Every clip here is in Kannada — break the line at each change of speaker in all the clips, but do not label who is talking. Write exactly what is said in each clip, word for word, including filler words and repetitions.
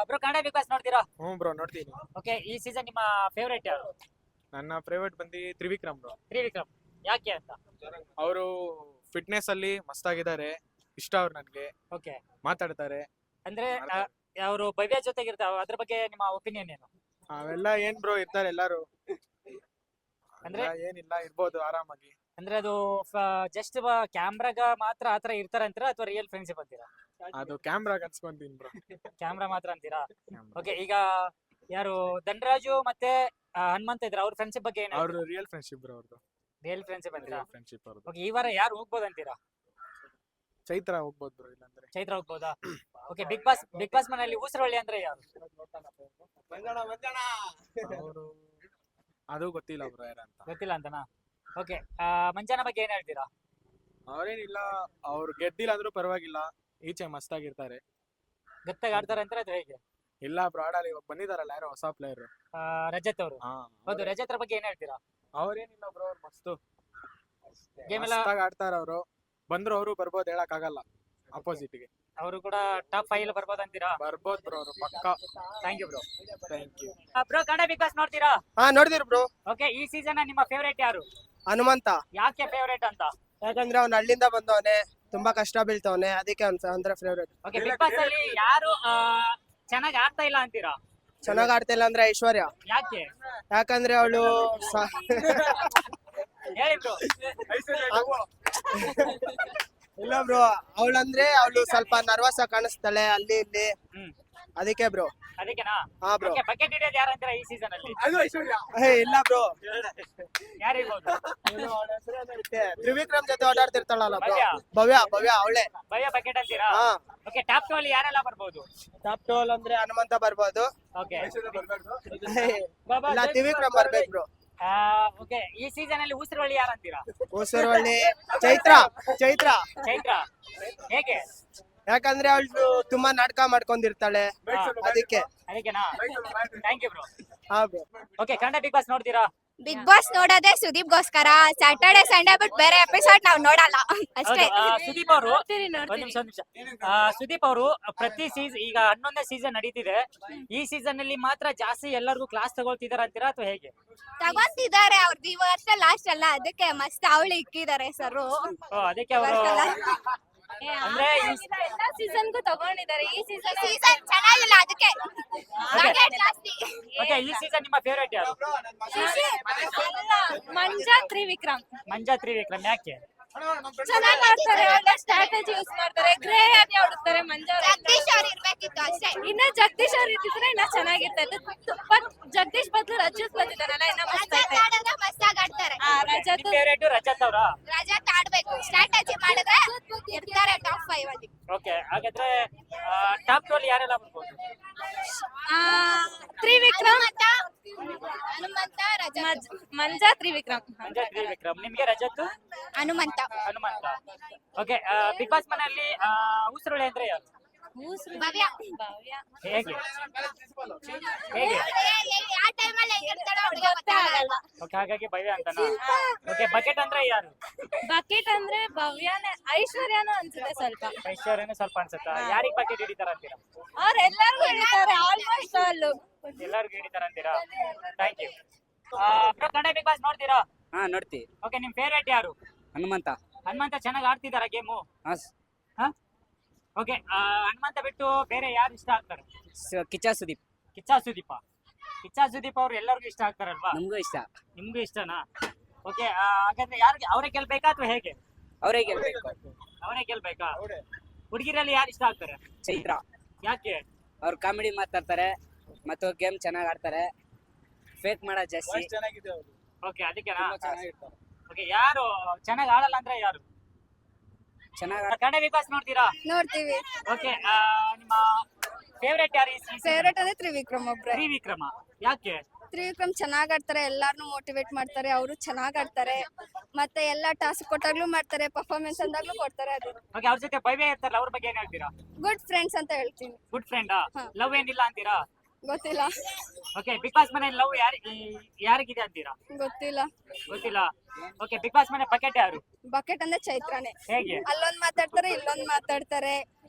ಬ್ರೋ ಕನ್ನಡ ಬಿಗ್ ಬಾಸ್ ನೋಡ್ತೀರಾ?
ಹ್ಞೂ ಬ್ರೋ ನೋಡ್ತೀನಿ.
ಓಕೆ, ಈ ಸೀಸನ್ ನಿಮ್ಮ ಫೇವರೇಟ್ ಯಾರು?
ನನ್ನ ಫೇವರೇಟ್ ಬಂದು ತ್ರಿವಿಕ್ರಮ್ ಬ್ರೋ.
ತ್ರಿವಿಕ್ರಮ್. ಯಾಕೆ ಅಂತ?
ಅವರು ಫಿಟ್ನೆಸ್ ಅಲ್ಲಿ ಮಸ್ತಾಗಿದ್ದಾರೆ, ಇಷ್ಟ ಅವ್ರು ನನಗೆ.
ಓಕೆ,
ಮಾತಾಡ್ತಾರೆ.
ಅಂದ್ರೆ ಅವರು ಭವ್ಯ ಜೊತೆಗೆ ಇರ್ತಾವ, ಅದ್ರ ಬಗ್ಗೆ ನಿಮ್ಮ ಒಪಿನಿಯನ್ ಏನು?
ಅವೆಲ್ಲ ಏನ್ ಬ್ರೋ, ಇರ್ತಾರೆ ಎಲ್ಲಾರು.
ಅಂದ್ರೆ
ಅಂದ್ರೆ ಏನಿಲ್ಲ, ಇರ್ಬೋದು ಆರಾಮಾಗಿ.
ಅಂದ್ರೆ ಅದು ಜಸ್ಟ್ ಕ್ಯಾಮ್ರಾಗ ಮಾತ್ರ ಆತರ ಇರ್ತಾರ ಅಂತೀರಾ ಅಥವಾ ರಿಯಲ್ ಫ್ರೆಂಡ್ಶಿಪ್ ಅಂತೀರಾ?
ಅದು ಕ್ಯಾಮ್ರಾ ಅನ್ಸ್ಕೊಂತೀನಿ ಬ್ರೋ.
ಕ್ಯಾಮ್ರಾ ಮಾತ್ರ ಅಂತೀರಾ? ಓಕೆ, ಈಗ ಯಾರು ಧನರಾಜು ಮತ್ತೆ ಆ, ಹನುಮಂತ ಇದ್ರ ಅವ್ರ ಫ್ರೆಂಡ್ಶಿಪ್ ಬಗ್ಗೆ ಏನು?
ಅವ್ರು ರಿಯಲ್ ಫ್ರೆಂಡ್ಶಿಪ್ ಬ್ರೋ, ಅವ್ರದ್ದು
ರಿಯಲ್ ಫ್ರೆಂಡ್ಶಿಪ್ ಅಂತೀರಾ?
ರಿಯಲ್ ಫ್ರೆಂಡ್ಶಿಪ್ ಅವ್ರದ್ದು.
ಓಕೆ, ಈ ವಾರ ಯಾರು ಹೋಗ್ಬೋದು ಅಂತೀರಾ?
ಚೈತ್ರ ಹೋಗ್ಬೋದು ಬ್ರೋ, ಇಲ್ಲಾಂದ್ರೆ
ಚೈತ್ರ ಹೋಗ್ಬೋದಾ? Okay, big boss big boss ಮನೆಯಲ್ಲಿ ಊಸರವಳ್ಳಿ ಅಂದ್ರೆ ಯಾರು?
ಅವರು ಅದು ಗೊತ್ತಿಲ್ಲ ಬ್ರೋ ಯಾರಂತ.
ಗೊತ್ತಿಲ್ಲ ಅಂತನಾ? ಓಕೆ, ಮಂಜಾನ ಬಗ್ಗೆ ಏನ್ ಹೇಳ್ತೀರಾ?
ಅವ್ರೇನಿಲ್ಲ, ಅವ್ರು ಗೆದ್ದಿಲ್ಲ ಅಂದ್ರೂ ಪರವಾಗಿಲ್ಲ, ಈಚೆ ಮಸ್ತಾಗಿರ್ತಾರೆ.
ಗತ್ತಾಗ ಆಡ್ತಾರೆ ಅಂತಾರೆ ಅದು ಹೇಗೆ?
ಇಲ್ಲ ಬ್ರೋ, ಆಡಲ್ಲ. ಇವಾಗ ಬಂದಿದಾರಲ್ಲ ಯಾರೋ ಹೊಸ ಪ್ಲೇಯರ್.
ಆ, ರಜತ್ ಅವರು.
ಹಾ,
ಹೌದು, ರಜತ್ ಬಗ್ಗೆ ಏನ್ ಹೇಳ್ತೀರಾ?
ಅವ್ರೇನಿಲ್ಲ ಬ್ರೋ, ಅವ್ರು ಮಸ್ತು
ಗೇಮ್ ಎಲ್ಲ
ಮಸ್ತಾಗಿ ಆಡ್ತಾರ. ಅವರು ಬಂದ್ರು ಅವರು ಬರ್ಬೋದು, ಹೇಳಕ್ ಆಗಲ್ಲ. ಅಪೋಸಿಟ್ ಗೆ
ಅವರು ಕೂಡ ಟಾಪ್ ಫೈವ್ ಬರ್ಬೋದು ಅಂತೀರಾ?
ಬರ್ಬೋದು ಬ್ರೋ, ಅವರು ಪಕ್ಕ.
Thank you bro.
Thank you
bro Kannada big boss ನೋಡ್ತೀರಾ?
ಹಾ ನೋಡಿದಿರಿ ಬ್ರೋ.
ಓಕೆ, ಈ ಸೀಸನ್ ನಿಮ್ಮ ಫೇವರೇಟ್ ಯಾರು?
ಹನುಮಂತ.
ಯಾಕೆ ಫೇವರೇಟ್ ಅಂತ?
ಯಾಕಂದ್ರೆ ಅವ್ನ ಹಳ್ಳಿಂದ ಬಂದವನೆ, ತುಂಬಾ ಕಷ್ಟ ಬೀಳ್ತವನೆ, ಅದಕ್ಕೆ ಅವ್ನ್ ಅಂದ್ರೆ ಫೇವ್ರೇಟ್.
ಓಕೆ, ಬಿಗ್ ಬಾಸ್ ಅಲ್ಲಿ ಯಾರು ಚೆನ್ನಾಗಿ ಆಡ್ತಾ ಇಲ್ಲ ಅಂತೀರಾ?
ಚೆನ್ನಾಗ್ ಆಡ್ತಿಲ್ಲ ಅಂದ್ರೆ ಐಶ್ವರ್ಯ.
ಯಾಕೆ?
ಯಾಕಂದ್ರೆ ಅವಳು
ಹೇಳಿ ಬ್ರೋ.
ಇಲ್ಲ ಬ್ರೋ, ಅವಳಂದ್ರೆ ಅವಳು ಸ್ವಲ್ಪ ನರ್ವಸ್ ಆಗಿ ಕಾಣಿಸ್ತಾಳೆ ಅಲ್ಲಿ ಇಲ್ಲಿ,
ಹ್ಮ್,
ಅದಕ್ಕೆ ಬ್ರೋ.
ಅದಕ್ಕೆನಾ?
ಹಾ ಬ್ರೋ.
ಓಕೆ, ಬಕೆಟ್ ಹಿಡಿಯೋದು ಯಾರು ಅಂತೀರಾ ಈ ಸೀಸನ್ ಅಲ್ಲಿ?
ಏ ಇಲ್ಲ ಬ್ರೋ,
ಯಾರು ಇರ್ಬೋದು?
ತ್ರಿವಿಕ್ರಮ್ ಜೊತೆ ಓಡಾಡ್ತಿರ್ತಾಳಲ್ಲ ಬ್ರೋ,
ಭವ್ಯ.
ಭವ್ಯ ಭವ್ಯ ಅವಳೆ.
ಭಯ ಬಕೆಟ್ ಅಂತೀರಾ?
ಹಾ.
ಓಕೆ, ಟಾಪ್ ಟು ಅಲ್ಲಿ ಯಾರೆಲ್ಲ ಬರ್ಬೋದು?
ಟಾಪ್ ಟೋಲ್ ಅಂದ್ರೆ ಹನುಮಂತ ಬರ್ಬೋದು.
ಓಕೆ,
ಇಲ್ಲ ತ್ರಿವಿಕ್ರಮ್ ಬರ್ಬೇಕು ಬ್ರೋ.
ಓಕೆ, ಈ ಸೀಸನ್ ಅಲ್ಲಿ ಊಸರವಳ್ಳಿ ಯಾರು ಅಂತೀರಾ?
ಹೊಸರವಳ್ಳಿ ಚೈತ್ರ. ಚೈತ್ರ
ಚೈತ್ರ. ಹೇಗೆ?
ಯಾಕಂದ್ರೆ ಅವಳು ತುಂಬಾ ನಾಟಕ ಮಾಡ್ಕೊಂಡಿರ್ತಾಳೆ, ಅದಕ್ಕೆ.
ಅದಕ್ಕೆನಾ? Thank you bro.
ಹಾ bro.
Okay, Kannada big boss ನೋಡ್ತೀರಾ?
ಬಿಗ್ ಬಾಸ್ ನೋಡೋದೇ ಸುದೀಪ್ಗೋಸ್ಕರ. ಸ್ಯಾಟರ್ಡೆ ಸಂಡೇ ಬಿಟ್ಟು ಬೇರೆ ಎಪಿಸೋಡ್ ನಾವು ನೋಡಲ್ಲ ಅಷ್ಟೇ.
ಹೌದು, ಆ, ಸುದೀಪ್ ಅವರು ಒಂದ್ ನಿಮಿಷ ಒಂದ್ ನಿಮಿಷ ಆ, ಸುದೀಪ್ ಅವರು ಪ್ರತಿ ಸೀಸನ್ ಈಗ ಹನ್ನೊಂದನೇ ಸೀಸನ್ ನಡೀತಿದೆ, ಈ ಸೀಸನ್ ಅಲ್ಲಿ ಮಾತ್ರ ಜಾಸ್ತಿ ಎಲ್ಲರಿಗೂ ಕ್ಲಾಸ್ ತಗೊಳ್ತಿದಾರ ಅಂತೀರಾ ಅಥವಾ ಹೇಗೆ?
ತಗೊಂತಿದ್ದಾರೆ ಅವ್ರದ್ದು ಈ ವರ್ಷ ಲಾಸ್ಟ್ ಅಲ್ಲ, ಅದಕ್ಕೆ ಮಸ್ತ್ ಅವಳು ಇಕ್ಕಿದ್ದಾರೆ ಸರ್.
ಓ, ಅದಕ್ಕೆ ಅವರು ಅಂದ್ರೆ ಈ-
ಎಲ್ಲ ಸೀಸನ್ಗೂ ತಗೊಂಡಿದ್ದಾರೆ. ಈ ಸೀಸನ್ ಸೀಸನ್ ಚೆನ್ನಾಗಿಲ್ಲ, ಅದಕ್ಕೆ ಬಕೆಟ್ ಜಾಸ್ತಿ.
ಓಕೆ, ಈ ಸೀಸನ್ ನಿಮ್ಮ ಫೇವರೇಟ್ ಯಾರು?
ಮಂಜಾ ತ್ರಿವಿಕ್ರಮ್.
ಮಂಜಾ ತ್ರಿವಿಕ್ರಮ್. ಯಾಕೆ?
ಚೆನ್ನಾಗಿ ಆಡ್ತಾರೆ, ಒಳ್ಳೆ ಸ್ಟ್ರಾಟಜಿ ಯೂಸ್ ಮಾಡ್ತಾರೆ, ಗ್ರೇ ಆಗಿ ಆಡುತ್ತಾರೆ. ಮಂಜಾ ಜಗದೀಶ್ ಅವ್ರು ಇರ್ಬೇಕಿತ್ತು ಅಷ್ಟೇ. ಇನ್ನ ಜಗದೀಶ್ ಅವ್ರು ಇದ್ದಿದ್ರೆ ಇನ್ನ ಚೆನ್ನಾಗಿರ್ತೈತೆ. ಬಟ್ ಜಗದೀಶ್ ಬದಲು ರಜತ್ ಬಂದಿದ್ದಾರಲ್ಲ, ಇನ್ನ ಮಸ್ತಾಗಿ ಆಡ್ತಾರೆ. ರಜತ್
ಫೇವರೇಟ್ ರಜತ್ ಅವರ?
ರಜತ್ ಆಡ್ಬೇಕು, ಸ್ಟ್ರಾಟಜಿ ಮಾಡಿದ್ರೆ ಇರ್ತಾರೆ ಟಾಪ್ ಫೈವ್ ಅಲ್ಲಿ.
ಓಕೆ, ಹಾಗಾದ್ರೆ ಟಾಪ್ ಟು ಅಲ್ಲಿ ಯಾರೆಲ್ಲ ಬರ್ಬೋದು?
ತ್ರಿವಿಕ್ರಮ್, ಹನುಮಂತ, ರಜತ್, ಮಂಜಾ ತ್ರಿವಿಕ್ರಮ್.
ಮಂಜಾ ತ್ರಿವಿಕ್ರಮ್. ನಿಮ್ಗೆ Rajat,
Hanumantha.
Hanumantha. Okay, big boss ಮನೆಯಲ್ಲಿ ಊಸರವಳ್ಳಿ ಅಂದ್ರೆ ಯಾರು?
ಭವ್ಯ.
ಹೇಗೆ? ಹೇಗೆ?
ಯಾವ ಟೈಮಲ್ಲಿ ಹೆಂಗಿರ್ತಾಳೋ ಅವ್ಳಿಗೆ ಗೊತ್ತಾಗಲ್ಲ.
ಓಕೆ, ಹಾಗಾಗಿ ಭವ್ಯ ಅಂತನಾ? ಓಕೆ, ಬಕೆಟ್ ಅಂದ್ರೆ ಯಾರು?
ಬಕೆಟ್ ಅಂದ್ರೆ ಭವ್ಯನೇ, ಐಶ್ವರ್ಯನೂ ಅನ್ಸುತ್ತೆ ಸ್ವಲ್ಪ.
ಐಶ್ವರ್ಯನು ಸ್ವಲ್ಪ ಅನ್ಸುತ್ತಾ? ಯಾರಿಗ್ ಬಕೆಟ್ ಹಿಡಿತಾರ ಅಂತೀರಾ?
ಅವ್ರೆಲ್ಲರಿಗೂ ಹಿಡಿತಾರೆ ಆಲ್ಮೋಸ್ಟ್ ಆಲ್.
ಎಲ್ಲರಿಗೂ ಹಿಡಿತಾರ ಅಂತೀರಾ? Thank you. Kannada big boss ನೋಡ್ತೀರಾ?
ಹಾ ನೋಡ್ತಿ.
ಓಕೆ, ನಿಮ್ ಫೇವರೇಟ್ ಯಾರು?
ಹನುಮಂತ.
ಹನುಮಂತ ಚೆನ್ನಾಗಿ ಆಡ್ತಿದಾರ ಗೇಮು?
ಹಾ,
ಓಕೆ, ಹನುಮಂತ ಬಿಟ್ಟು ಬೇರೆ ಯಾರು ಇಷ್ಟ ಆಗ್ತಾರೆ?
ಸ- ಕಿಚ್ಚ ಸುದೀಪ್.
ಕಿಚ್ಚ ಸುದೀಪ. ಕಿಚ್ಚ ಸುದೀಪ್ ಅವ್ರು ಎಲ್ಲರಿಗೂ ಇಷ್ಟ ಆಗ್ತಾರಲ್ವಾ?
ನಮಗೂ ಇಷ್ಟ.
ನಿಮ್ಗೂ ಇಷ್ಟನಾ? ಓಕೆ, ಹಾಗಾದ್ರೆ ಯಾರಿಗೆ ಅವರೇ ಗೆಲ್ಬೇಕಾ ಅಥವಾ ಹೇಗೆ?
ಅವರೇ ಗೆಲ್ಬೇಕು.
ಅವರೇ ಗೆಲ್ಬೇಕಾ? ಹುಡುಗಿರಲ್ಲಿ ಯಾರು ಇಷ್ಟ ಆಗ್ತಾರೆ?
ಚೈತ್ರ.
ಯಾಕೆ?
ಅವ್ರು ಕಾಮಿಡಿ ಮಾತಾಡ್ತಾರೆ ಮತ್ತು ಗೇಮ್ ಚೆನ್ನಾಗಿ ಆಡ್ತಾರೆ, ಫೇಕ್ ಮಾಡೋ ಜಾಸ್ತಿ.
ಓಕೆ, ಅದಕ್ಕೆನಾ? ಓಕೆ, ಯಾರು ಚೆನ್ನಾಗಿ ಆಡಲ್ಲ ಅಂದ್ರೆ ಯಾರು?
ಚೆನ್ನಾಗಿ
ಕನ್ನಡ ಬಿಗ್ ಬಾಸ್ ನೋಡ್ತೀರಾ?
ನೋಡ್ತೀವಿ.
ಓಕೆ, ನಿಮ್ಮ ಫೇವರೇಟ್ ಯಾರು ಈ season?
ಫೇವ್ರೇಟ್ ಅಂದ್ರೆ ತ್ರಿವಿಕ್ರಮ್ ಒಬ್ರೆ.
ತ್ರಿವಿಕ್ರಮ. ಯಾಕೆ?
ತ್ರಿವಿಕ್ರಮ್ ಚೆನ್ನಾಗ್ ಆಡ್ತಾರೆ, ಎಲ್ಲಾರ್ನು ಮೋಟಿವೇಟ್ ಮಾಡ್ತಾರೆ, ಅವರು ಚೆನ್ನಾಗ್ ಆಡ್ತಾರೆ, ಮತ್ತೆ ಎಲ್ಲಾ ಟಾಸ್ಕ್ ಕೊಟ್ಟಾಗ್ಲೂ ಮಾಡ್ತಾರೆ, ಪರ್ಫಾರ್ಮೆನ್ಸ್ ಅಂದಾಗ್ಲೂ ಕೊಡ್ತಾರೆ. ಅದು
ಓಕೆ, ಅವ್ರ ಜೊತೆ ಭವ್ಯ ಇರ್ತಾರಲ್ಲ, ಅವ್ರ ಬಗ್ಗೆ ಏನ್ ಹೇಳ್ತೀರಾ?
ಗುಡ್ ಫ್ರೆಂಡ್ಸ್ ಅಂತ ಹೇಳ್ತೀನಿ.
ಗುಡ್ ಫ್ರೆಂಡಾ?
ಹಾ.
ಲವ್ ಏನಿಲ್ಲ ಅಂತೀರಾ?
ಗೊತ್ತಿಲ್ಲ
ಓಕೆ, ಬಿಗ್ ಬಾಸ್ ಮನೆ ಲವ್ ಯಾರು ಯಾರಿಗಿದೆ ಅಂತೀರಾ?
ಗೊತ್ತಿಲ್ಲ.
ಗೊತ್ತಿಲ್ಲ. ಓಕೆ, ಬಿಗ್ ಬಾಸ್ ಮನೆ ಬಕೆಟ್ ಯಾರು?
ಬಕೆಟ್ ಅಂದ್ರೆ ಚೈತ್ರಾನೇ.
ಹೇಗೆ?
ಅಲ್ಲೊಂದ್ ಮಾತಾಡ್ತಾರೆ, ಇಲ್ಲೊಂದ್ ಮಾತಾಡ್ತಾರೆ,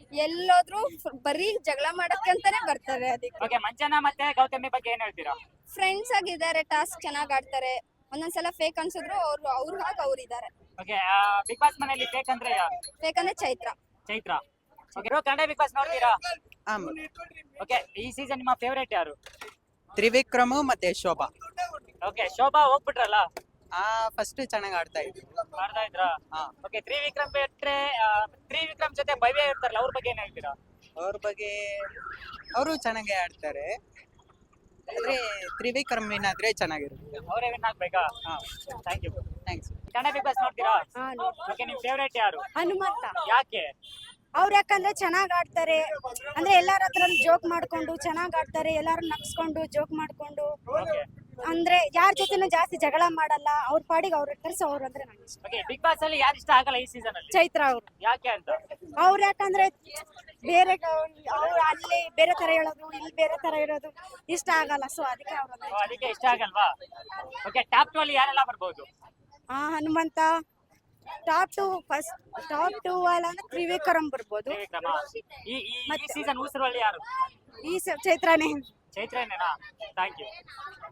ಎಲ್ಲೋದ್ರು ಬರೀ ಜಗಳ ಮಾಡಕ್ಕೆ ಅಂತಾನೆ ಬರ್ತಾರೆ ಅದಕ್ಕೆ.
ಓಕೆ, ಮಂಜನಾ ಮತ್ತೆ ಗೌತಮಿ ಬಗ್ಗೆ ಏನ್ ಹೇಳ್ತೀರಾ?
ಫ್ರೆಂಡ್ಸ್ ಆಗಿದ್ದಾರೆ, ಟಾಸ್ಕ್ ಚೆನ್ನಾಗ್ ಆಡ್ತಾರೆ. ಒಂದೊಂದ್ಸಲ ಫೇಕ್ ಅನ್ಸಿದ್ರು ಅವ್ರು ಅವ್ರ ಹಾಗೆ ಅವ್ರು ಇದಾರೆ.
ಓಕೆ, ಬಿಗ್ ಬಾಸ್ ಮನೆಯಲ್ಲಿ ಫೇಕ್ ಅಂದ್ರೆ ಯಾರು?
ಫೇಕ್ ಅಂದ್ರೆ Chaitra.
Chaitra. Okay, Kannada big boss ನೋಡ್ತೀರಾ?
ಆಮ್.
ಓಕೆ, ಈ ಸೀಸನ್ ನಿಮ್ಮ ಫೇವರೇಟ್ ಯಾರು?
ತ್ರಿವಿಕ್ರಮ್ ಮತ್ತೆ ಶೋಭಾ.
ಓಕೆ, ಶೋಭಾ ಹೋಗ್ಬಿಟ್ರಲ್ಲ,
ಆ ಫಸ್ಟ್ ಚೆನ್ನಾಗಿ ಆಡ್ತಾ ಇದ್ರು.
ಮಾಡ್ತಾ ಇದ್ರಾ?
ಹಾ.
ಓಕೆ, ತ್ರಿವಿಕ್ರಮ್ ಬಿಟ್ರೆ ಆ, ತ್ರಿವಿಕ್ರಮ್ ಜೊತೆ ಭವ್ಯ ಇರ್ತಾರಲ್ಲ, ಅವ್ರ ಬಗ್ಗೆ ಏನ್ ಹೇಳ್ತೀರಾ?
ಅವ್ರ ಬಗ್ಗೆ ಅವರು ಚೆನ್ನಾಗಿ ಆಡ್ತಾರೆ, ಆದ್ರೆ ತ್ರಿವಿಕ್ರಮ್ ವಿನ್ ಆದ್ರೆ ಚೆನ್ನಾಗಿರುತ್ತೆ.
ಅವರೇ ವಿನ್ ಆಗ್ಬೇಕಾ?
ಹಾ,
thank you.
Thanks.
Kannada big boss ನೋಡ್ತೀರಾ? ಓಕೆ, ನಿಮ್ ಫೇವರೇಟ್ ಯಾರು?
ಹನುಮಂತ.
ಯಾಕೆ?
ಅವ್ರು ಯಾಕಂದ್ರೆ ಚೆನ್ನಾಗ್ ಆಡ್ತಾರೆ, ಅಂದ್ರೆ ಎಲ್ಲಾರ ಹತ್ರ ಜೋಕ್ ಮಾಡ್ಕೊಂಡು ಚೆನ್ನಾಗ್ ಆಡ್ತಾರೆ, ಎಲ್ಲಾರು ನಗ್ಸ್ಕೊಂಡು ಜೋಕ್ ಮಾಡ್ಕೊಂಡು,
ಓಕೆ,
ಅಂದ್ರೆ ಯಾರ ಜೊತೆನೂ ಜಾಸ್ತಿ ಜಗಳ ಮಾಡಲ್ಲ, ಅವ್ರ ಪಾಡಿಗೆ ಅವ್ರ ಇರ್ತಾರೆ. ಸೊ ಅವ್ರು ಅಂದ್ರೆ ನಂಗೆ ಇಷ್ಟ.
ಓಕೆ, ಬಿಗ್ ಬಾಸ್ ಅಲ್ಲಿ ಯಾರು ಇಷ್ಟ ಆಗಲ್ಲ ಈ ಸೀಸನ್ ಅಲ್ಲಿ?
ಚೈತ್ರ ಅವ್ರು.
ಯಾಕೆ ಅಂತ?
ಅವ್ರು ಯಾಕಂದ್ರೆ ಬೇರೆ ಅವ್ರು ಅಲ್ಲಿ ಬೇರೆ ತರ ಹೇಳೋದು, ಇಲ್ಲಿ ಬೇರೆ ತರ ಇರೋದು ಇಷ್ಟ ಆಗಲ್ಲ. ಸೊ ಅದಕ್ಕೆ ಅವ್ರು
ಓ, ಅದಕ್ಕೆ ಇಷ್ಟ ಆಗಲ್ವಾ? ಓಕೆ, ಟಾಪ್ ಟು ಅಲ್ಲಿ ಯಾರೆಲ್ಲ ಬರ್ಬೋದು?
ಆ Hanumantha. Top two first top two ಅಲ್ಲ ಅಂದ್ರೆ ತ್ರಿವಿಕ್ರಮ್ ಬರ್ಬೋದು.
ತ್ರಿವಿಕ್ರಮ. ಈ ಈ ಈ ಸೀಸನ್ ಉಸಿರಲ್ಲಿ ಯಾರು?
ಈ ಸ- ಚೈತ್ರನೇ.
ಚೈತ್ರನೇನಾ? Thank you.